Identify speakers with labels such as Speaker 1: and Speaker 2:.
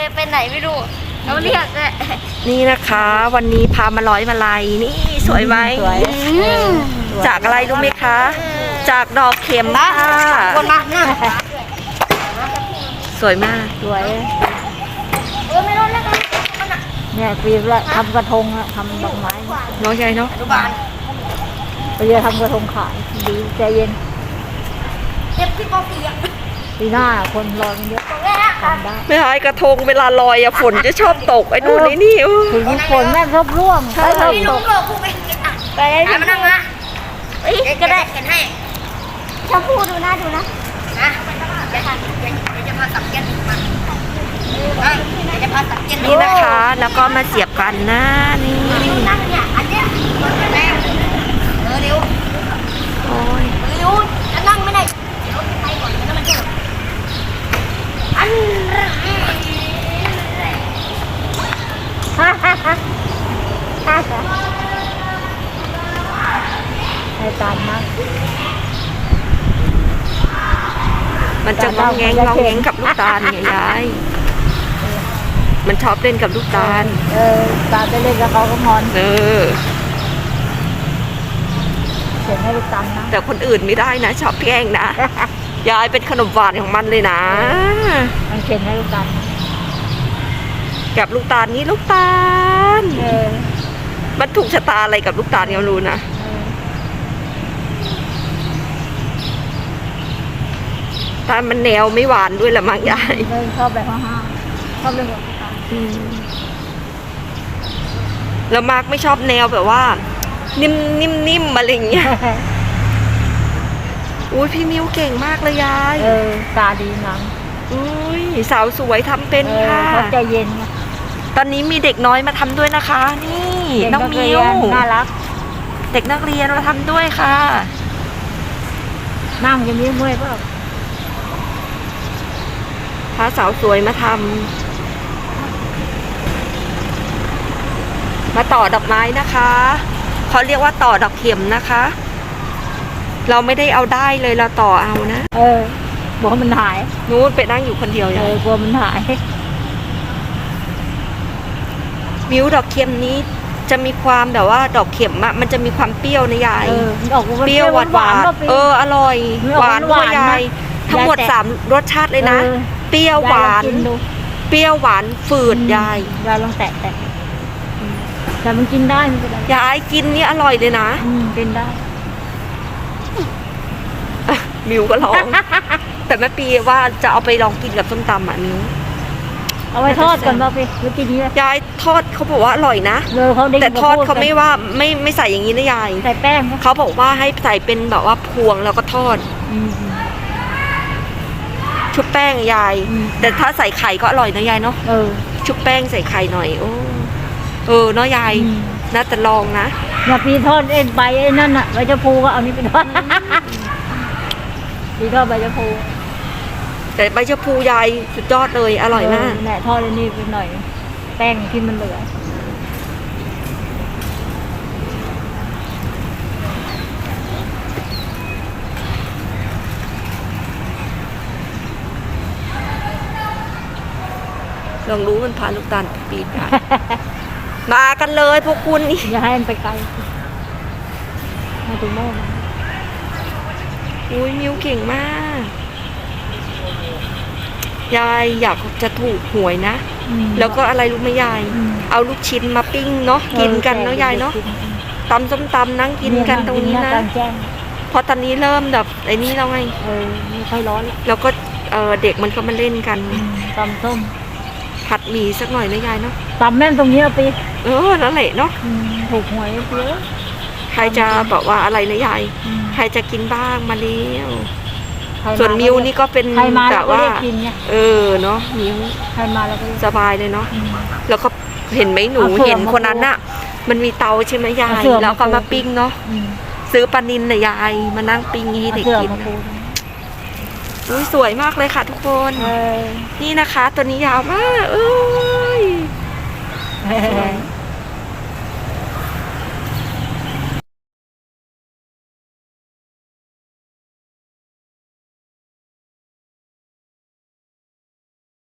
Speaker 1: ไปไหนไม่รู้เราเรียกเลย
Speaker 2: นี่นะคะ วันนี้พามาร้อยมาลัยนี่สวยไหม
Speaker 3: สวย
Speaker 2: จากอะไรรู้ไหมคะ จากดอกเข็มค่ะ
Speaker 1: คนมาหน้า
Speaker 2: สวยมาก
Speaker 3: สวย
Speaker 1: ไม่รู้แล้วกัน
Speaker 3: เนี่ยปีละทำกระทงอะทำดอกไม้
Speaker 2: น้องใหญ่เนาะ
Speaker 1: อนุบาล
Speaker 3: ไปเรียนทำกระทงขายดีใจเย็น
Speaker 1: เจ็บที่ปอเปียก
Speaker 3: ปีหน้าคนรอกันเยอะ
Speaker 1: ตรงนี้นะ
Speaker 3: ทำได้
Speaker 2: ไม่หายกระทงเวลาลอยอะฝนจะชอบตกไอ้นู่นไอ้นี่
Speaker 3: ถึงฝนแม่งชอบร่วง
Speaker 2: ใช่
Speaker 3: ชอบ
Speaker 1: พี่
Speaker 3: ต
Speaker 1: ลุง
Speaker 3: ก
Speaker 1: โลกูไปกินอ่ะ
Speaker 3: ไปได้
Speaker 1: ไปมานั่งนะก็ได้เขียนให้ชมพู่ดูนะนะเดี๋ยวจะพาสับเย็นมาเดี๋ยวจะพาสับเย็น
Speaker 2: นี่นะคะ แล้วก็มาเสียบกันนะนี่
Speaker 1: นั่งเนี่ยอันเนี้ยแรงเร็ว
Speaker 2: โอ้ย
Speaker 1: เร็วจะนั่งไม่ได้เดี๋ยวไปก่อนแล้วมันจะอัน
Speaker 3: ฮ่าฮ่าฮ่าฮ่าฮ่าให้ตามมาก
Speaker 2: มันจะงองแงงงองแงงกับลูกตาลไงยายมันชอบเล่นกับลูกตาล
Speaker 3: ตาไปเล่นกับเขาก็งอน
Speaker 2: เออ
Speaker 3: เขียนให้ลูกตาลนะ
Speaker 2: แต่คนอื่นไม่ได้นะ ชอบแกล้งนะ ยายเป็นขนมหวานของมันเลยนะ
Speaker 3: มันเขียนให้ลูกตาล
Speaker 2: กับลูกตาลนี่ลูกตาล มันถูกชะตาอะไรกับลูกตาลก็ไม่รู้นะตาลมันแนวไม่หวานด้วยละมั้งยาย
Speaker 3: ชอบแบบห้าวชอบเล่นกับลูกตาล
Speaker 2: แล้วมาร์กไม่ชอบแนวแบบว่า นิ่มอะไรอย่างเงี้ย อุ้ยพี่มิวเก่งมากเลยยาย
Speaker 3: ตาดีนัง
Speaker 2: อุ้ยสาวสวยทำเป็นค่ะ
Speaker 3: เขาใจเย็นไง
Speaker 2: ตอนนี้มีเด็กน้อยมาทำด้วยนะคะ นี่น้องมิว
Speaker 3: น่ารัก
Speaker 2: เด็กนักเรียนมาทำด้วยค่ะ
Speaker 3: นั่งจะมีเมื่อยเปล่า
Speaker 2: พาสาวสวยมาทำมาต่อดอกไม้นะคะเขาเรียกว่าต่อดอกเข็มนะคะ เราไม่ได้เอาได้เลยเราต่อเอานะ
Speaker 3: บอกว่ามันหาย
Speaker 2: นู้นไปนั่งอยู่คนเดียวอย่าง
Speaker 3: กลัวมันหาย
Speaker 2: มิวดอกเข็มนี้จะมีความแบบว่าดอกเข็มอะมันจะมีความเปรี้ยวนะยาย
Speaker 3: ออก
Speaker 2: เปรี้ยวหวานหวานอร่อยหวานด้วยยายทั้งหมด3รสชาติเลยนะเปรี้ยวหวานเปรี้ยวหวานฝืดยาย
Speaker 3: ยายลองแตะแต่มันกินได้มันก็ได้
Speaker 2: ยายกินนี่อร่อยเลยนะ
Speaker 3: กินได้
Speaker 2: มิวก็ร้อง แต่แม่ปีว่าจะเอาไปลองกินกับส้มตำอ่ะมิว
Speaker 3: เอาไว้ทอดก่อนป่ะพี่หรือกินนี้เลย
Speaker 2: ยายทอดเขาบอกว่าอร่อยนะ แต่ทอดเขาไม่ว่าไม่ใส่อย่างนี้นะยาย
Speaker 3: ใส่แป้ง
Speaker 2: เขาบอกว่าให้ใส่เป็นแบบว่าพวงแล้วก็ทอดชุบแป้งยาย แต่ถ้าใส่ไข่ก็อร่อยนะยายเนาะชุบแป้งใส่ไข่หน่อยโอ้เนาะยายน่าจะลองนะ
Speaker 3: อย่าปีทอดใบนั่นน่ะใบชะพูก็เอานี้ไปทอดปีทอดใบชะพู
Speaker 2: แต่ใบชะพูยายสุดยอดเลยอร่อยมาก
Speaker 3: แหละทอดอันนี้ไปหน่อย แป้งที่มันเหลือ
Speaker 2: ลองรู้มันพาลูกตาลปีนมากันเลยพวกคุณนี่
Speaker 3: อย่าให้มันไปไกลมาถึงโม่มา
Speaker 2: อุ้ยมิวเก่งมาก ยายอยากจะถูกหวยนะ แล้วก็อะไรรู้ไหมยาย เอาลูกชิ้นมาปิ้งเนาะกินกันเนาะยายเนาะตำส้มตำนั่งกินกันตรงนี้นะเพราะตอนนี้เริ่มแบบไอ้นี่แล้วไง
Speaker 3: ไม่ค่อยร้อนแล้ว
Speaker 2: แล้วก็เด็กมันก็มาเล่นกัน
Speaker 3: ตำส้ม
Speaker 2: ผัดหมี่สักหน่อยนะยายเนาะ
Speaker 3: ตำแม่นตรงนี้ปี
Speaker 2: นั่นแหละเนาะ
Speaker 3: ถูกหวยเยอะ
Speaker 2: ใครจะบอกว่าอะไรนะยายใครจะกินบ้างมาเลี้ยวส่วนมิวนี่ก็เป็นแบบว่าเนาะมิว
Speaker 3: ใครมาแล้วก็
Speaker 2: สบายเลยเนาะแล้วก็เห็นไหมหนูเห็นคนนั้นน่ะมันมีเตาใช่ไหมยายแล้วก็มาปิ้งเนาะซื้อปลานิลน่ะยายมานั่งปิ้งให้เด็กกินอุ้ยสวยมากเลยค่ะทุกคนนี่นะคะตัวนี้ยาวมากสวย